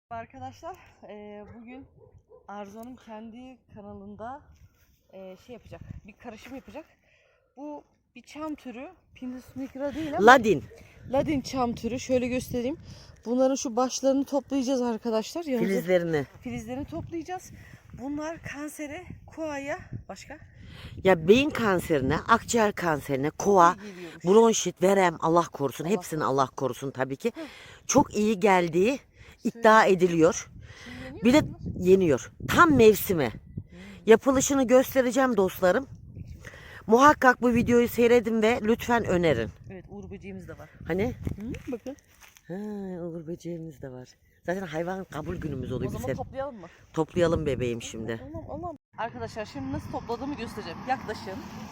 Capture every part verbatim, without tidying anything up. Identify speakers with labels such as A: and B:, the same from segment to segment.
A: Arkadaşlar e, bugün Arzu'nun kendi kanalında e, şey yapacak, bir karışım yapacak. Bu bir çam türü, Pinus nigra değil ama
B: Ladin.
A: Ladin çam türü. Şöyle göstereyim. Bunların şu başlarını toplayacağız arkadaşlar. Yanımıza
B: Filizlerini.
A: Filizlerini toplayacağız. Bunlar kansere, koaya, başka?
B: Ya beyin kanserine, akciğer kanserine, kova, bronşit, verem, Allah korusun.
A: Allah
B: Hepsini
A: korusun.
B: Allah korusun tabii ki. Çok iyi geldiği iddia ediliyor. Bir de yeniyor. Tam mevsimi. Yapılışını göstereceğim dostlarım. Muhakkak bu videoyu seyredin ve lütfen önerin.
A: Evet, uğur böceğimiz de var.
B: Hani?
A: Hı, bakın.
B: Ha, uğur böceğimiz de var. Zaten hayvan kabul günümüz oluyor.
A: O zaman
B: Biz
A: toplayalım mı?
B: toplayalım bebeğim şimdi.
A: Allah'ım Allah'ım. Arkadaşlar şimdi nasıl topladığımı göstereceğim. Yaklaşın.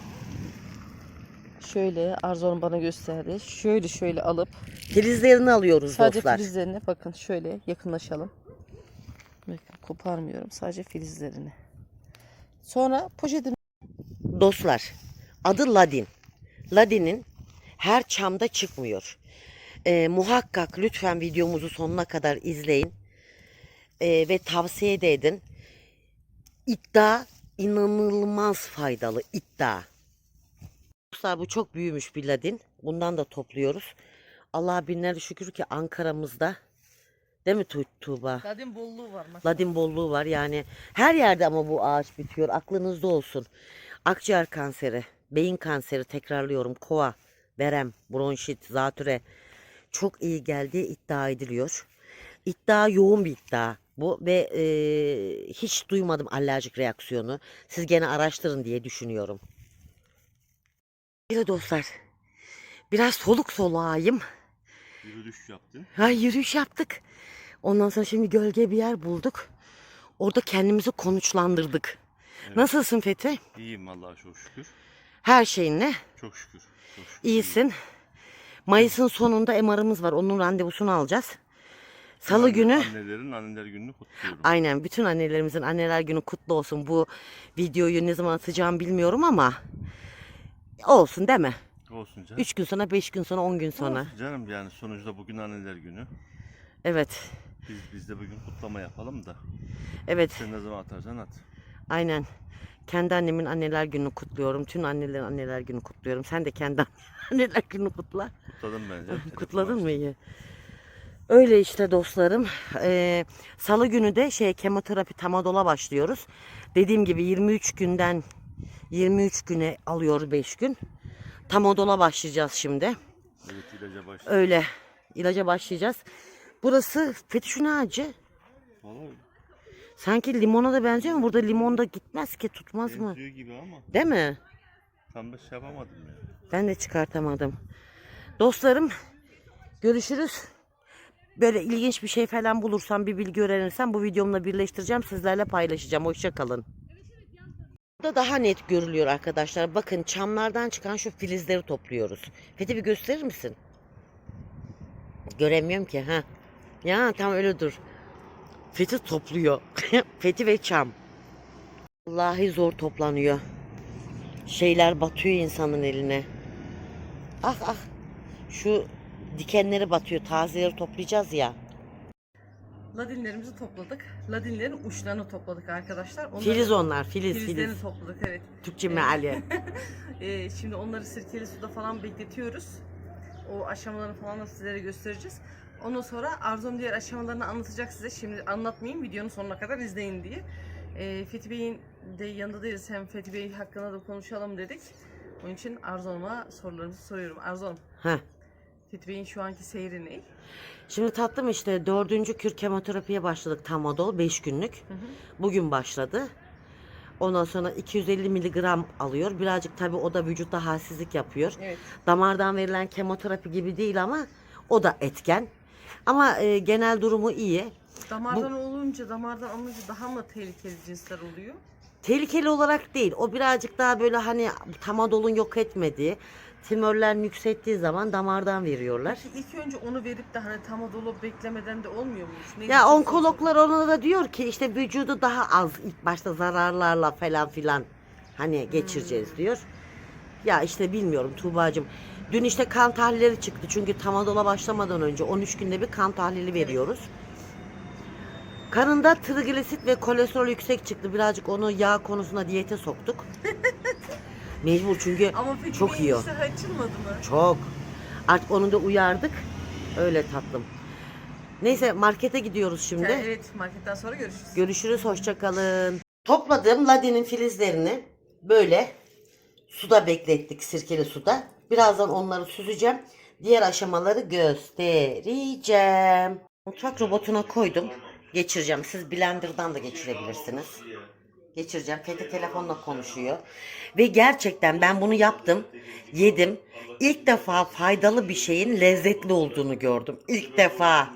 A: Şöyle Arzu'nun bana gösterdi. Şöyle şöyle alıp
B: Filizlerini alıyoruz
A: sadece
B: dostlar.
A: filizlerini bakın şöyle yakınlaşalım. Bakın koparmıyorum, sadece filizlerini. Sonra poşetin
B: Dostlar, adı Ladin. Ladin'in her çamda çıkmıyor. Ee, muhakkak lütfen videomuzu sonuna kadar izleyin. Ee, ve tavsiye de edin. İddia inanılmaz faydalı iddia. Dostlar bu çok büyümüş bir Ladin. Bundan da topluyoruz. Allah'a binlerce şükür ki Ankara'mızda, değil mi Tu- Tuğba?
A: Ladin bolluğu var. Maşallah.
B: Ladin bolluğu var yani her yerde ama bu ağaç bitiyor, aklınızda olsun. Akciğer kanseri, beyin kanseri, tekrarlıyorum, kova, verem, bronşit, zatüre çok iyi geldiği iddia ediliyor. İddia yoğun bir iddia bu ve e, hiç duymadım alerjik reaksiyonu. Siz gene araştırın diye düşünüyorum. Bir de dostlar biraz soluk soluğayım.
C: Yürüyüş yaptın.
B: Ha, yürüyüş yaptık. Ondan sonra şimdi gölge bir yer bulduk. Orada kendimizi konuşlandırdık.
C: Evet.
B: Nasılsın Fethi?
C: İyiyim Allah'a çok şükür.
B: Her şeyinle
C: Çok şükür. Çok şükür.
B: iyisin. Mayıs'ın sonunda M R'ımız var. Onun randevusunu alacağız. Salı
C: Anne-
B: günü
C: Annelerin anneler gününü kutluyorum.
B: aynen bütün annelerimizin anneler günü kutlu olsun. Bu videoyu ne zaman atacağım bilmiyorum ama olsun değil mi?
C: Olsun canım.
B: üç gün sonra, beş gün sonra, on gün sonra.
C: Olsun canım yani sonuçta bugün anneler günü.
B: Evet.
C: Biz, biz de bugün kutlama yapalım da.
B: Evet.
C: Sen ne zaman atarsan at.
B: Aynen. Kendi annemin anneler gününü kutluyorum. Tüm annelerin anneler günü kutluyorum. Sen de kendi anneler gününü kutla.
C: Kutladım bence. Telefon
B: Kutladın mı
C: açtım.
B: iyi? Öyle işte dostlarım. Ee, Salı günü de şey kemoterapi Tamadol'a başlıyoruz. Dediğim gibi yirmi üç günden yirmi üç güne alıyor beş gün. Tamadol'a başlayacağız şimdi.
C: Evet ilaca başladım.
B: Öyle ilaca başlayacağız. Burası Fetiş'in ağacı.
C: Vallahi
B: Sanki limona da benziyor ama burada limon da gitmez ki, tutmaz mı?
C: benziyor gibi ama
B: Değil mi?
C: tam da şey yapamadım ya.
B: Ben de çıkartamadım. Dostlarım görüşürüz. Böyle ilginç bir şey falan bulursam, bir bilgi öğrenirsem bu videomla birleştireceğim. Sizlerle paylaşacağım. Hoşça kalın. Burada daha net görülüyor arkadaşlar. Bakın çamlardan çıkan şu filizleri topluyoruz. Fethi bir gösterir misin? Göremiyorum ki. Ha. Ya tam öyle dur. Fethi topluyor. Fethi ve çam. Vallahi zor toplanıyor. Şeyler batıyor insanın eline. Ah ah. Şu dikenleri batıyor. Tazeleri toplayacağız ya.
A: Ladinlerimizi topladık. Ladinlerin uçlarını topladık arkadaşlar. Onları,
B: Filiz onlar. Filiz
A: filizlerini
B: filiz.
A: topladık, evet.
B: Türkçe
A: Evet.
B: meali.
A: Ee, şimdi onları sirkeli suda falan bekletiyoruz. O aşamalarını falan da sizlere göstereceğiz. Ondan sonra Arzu'nun diğer aşamalarını anlatacak size. Şimdi anlatmayayım, videonun sonuna kadar izleyin diye. Ee, Fethi Bey'in de yanında değiliz. Hem Fethi Bey hakkında da konuşalım dedik. Onun için Arzu Hanım'a sorularımızı soruyorum. Arzu Hanım,
B: Heh.
A: Fethi Bey'in şu anki seyri ne?
B: Şimdi tatlım işte dördüncü kür kemoterapiye başladık Tamadol beş günlük.
A: Hı hı.
B: Bugün başladı. Ondan sonra iki yüz elli miligram alıyor. Birazcık tabii o da vücutta halsizlik yapıyor.
A: Evet.
B: Damardan verilen kemoterapi gibi değil ama o da etken. Ama e, genel durumu iyi.
A: Damardan olunca, damardan alınca daha mı tehlikeli cinsler oluyor?
B: Tehlikeli olarak değil. O birazcık daha böyle hani Tamadol'un yok etmediği, tümörler yükselttiği zaman damardan veriyorlar.
A: Peki ilk önce onu verip de hani tam dolu beklemeden de olmuyor muymuş? Ne
B: Ya
A: diyeceksin?
B: onkologlar ona da diyor ki işte vücudu daha az ilk başta zararlarla falan filan hani geçireceğiz diyor. Ya işte bilmiyorum Tuğbacığım. Dün işte kan tahlilleri çıktı çünkü Tamadol'a başlamadan önce on üç günde bir kan tahlili veriyoruz. Karında trigliserit ve kolesterol yüksek çıktı. Birazcık onu yağ konusunda diyete soktuk. Mecbur çünkü
A: Ama peki
B: çok yiyor.
A: iştahı açılmadı mı?
B: Çok. Artık onu da uyardık. Öyle tatlım. Neyse markete gidiyoruz şimdi.
A: Evet, marketten sonra görüşürüz.
B: Görüşürüz, hoşça kalın. Topladığım ladinin filizlerini böyle suda beklettik, sirkeli suda. Birazdan onları süzeceğim. Diğer aşamaları göstereceğim. Mutfak robotuna koydum. Geçireceğim. Siz blenderdan da geçirebilirsiniz. Geçireceğim. Fethi telefonla konuşuyor. Ve gerçekten ben bunu yaptım. Yedim. İlk defa faydalı bir şeyin lezzetli olduğunu gördüm. İlk defa.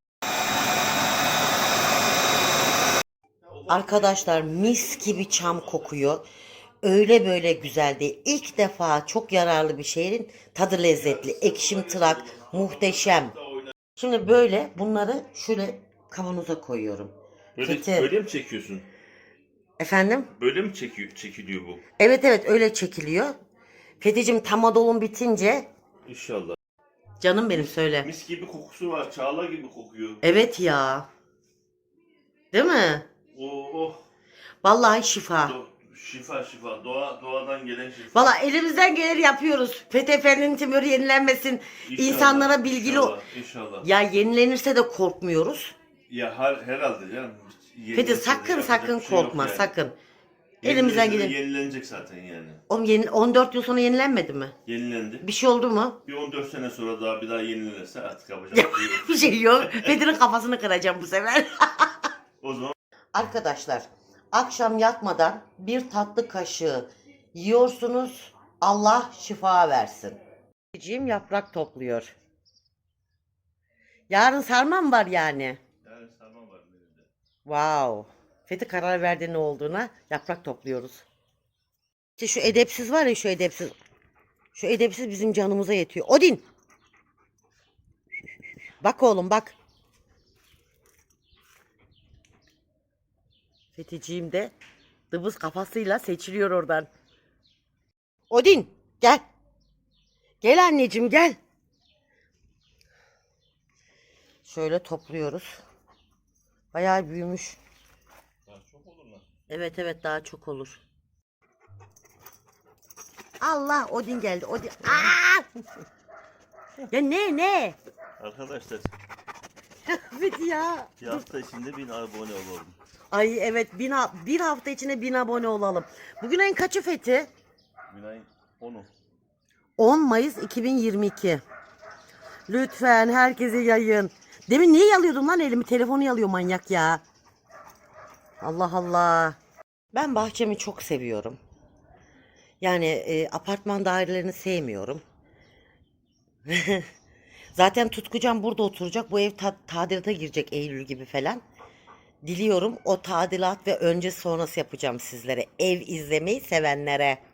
B: Arkadaşlar mis gibi çam kokuyor. Öyle böyle güzel değil. İlk defa çok yararlı bir şeyin tadı lezzetli. Ekşim tırak muhteşem. Şimdi böyle bunları şöyle kavanoza koyuyorum.
C: Böyle,
B: Fethi.
C: böyle mi çekiyorsun?
B: Efendim?
C: Böyle mi çekiyor, çekiliyor bu?
B: Evet evet öyle çekiliyor. Fethicim tamadolun bitince
C: İnşallah.
B: canım benim söyle.
C: Mis gibi kokusu var. Çağla gibi kokuyor.
B: Evet ya. Değil mi?
C: Oh oh.
B: Vallahi şifa.
C: Do- şifa şifa. Doğa, doğadan gelen şifa.
B: Vallahi elimizden gelir yapıyoruz. Fethi Efendi'nin tümörü yenilenmesin.
C: İnşallah,
B: İnsanlara bilgili ol.
C: İnşallah. İnşallah.
B: Ya yenilenirse de korkmuyoruz.
C: Ya her, herhalde canım. Yeni
B: Fethi
C: nesilde
B: sakın
C: yapacak
B: sakın
C: bir şey yok
B: korkma
C: yani.
B: sakın.
C: Yeni
B: Elimizden
C: nesilde
B: gelir.
C: Yenilenecek zaten yani.
B: Oğlum yeni, on dört yıl sonra yenilenmedi mi?
C: Yenilendi.
B: Bir şey oldu mu?
C: Bir on dört sene sonra daha bir daha yenilenirse artık yapacak bir şey yok.
B: Bir şey yok. Fethi'nin kafasını kıracağım bu sefer.
C: O zaman
B: Arkadaşlar akşam yatmadan bir tatlı kaşığı yiyorsunuz. Allah şifa versin. Cim yaprak topluyor. Yarın sarma mı var yani?
C: yani sarma var elimde.
B: Wow. Fethi karar verdi ne olduğuna. Yaprak topluyoruz. İşte şu edepsiz var ya şu edepsiz. Şu edepsiz bizim canımıza yetiyor. Odin. Bak oğlum bak. Fethiciğim de dıbız kafasıyla seçiliyor oradan. Odin gel. Gel anneciğim gel. Şöyle topluyoruz. Bayağı büyümüş.
C: Daha çok olur lan.
B: Evet evet daha çok olur. Allah Odin geldi. Odin. Aa! Ya ne ne?
C: Arkadaşlar
B: Fethi ya.
C: bir hafta içinde bin abone olalım.
B: Ay evet bin, ha- bir hafta içinde bin abone olalım. Bugün ayın kaçı Fethi?
C: Günay'ın onu.
B: on Mayıs iki bin yirmi iki. Lütfen herkese yayın. Demin niye yalıyordum lan elimi? Telefonu yalıyor manyak ya. Allah Allah. Ben bahçemi çok seviyorum. Yani e, apartman dairelerini sevmiyorum. Zaten Tutkucan burada oturacak. Bu ev ta- tadilata girecek Eylül gibi falan. Diliyorum o tadilat ve öncesi sonrası yapacağım sizlere. Ev izlemeyi sevenlere.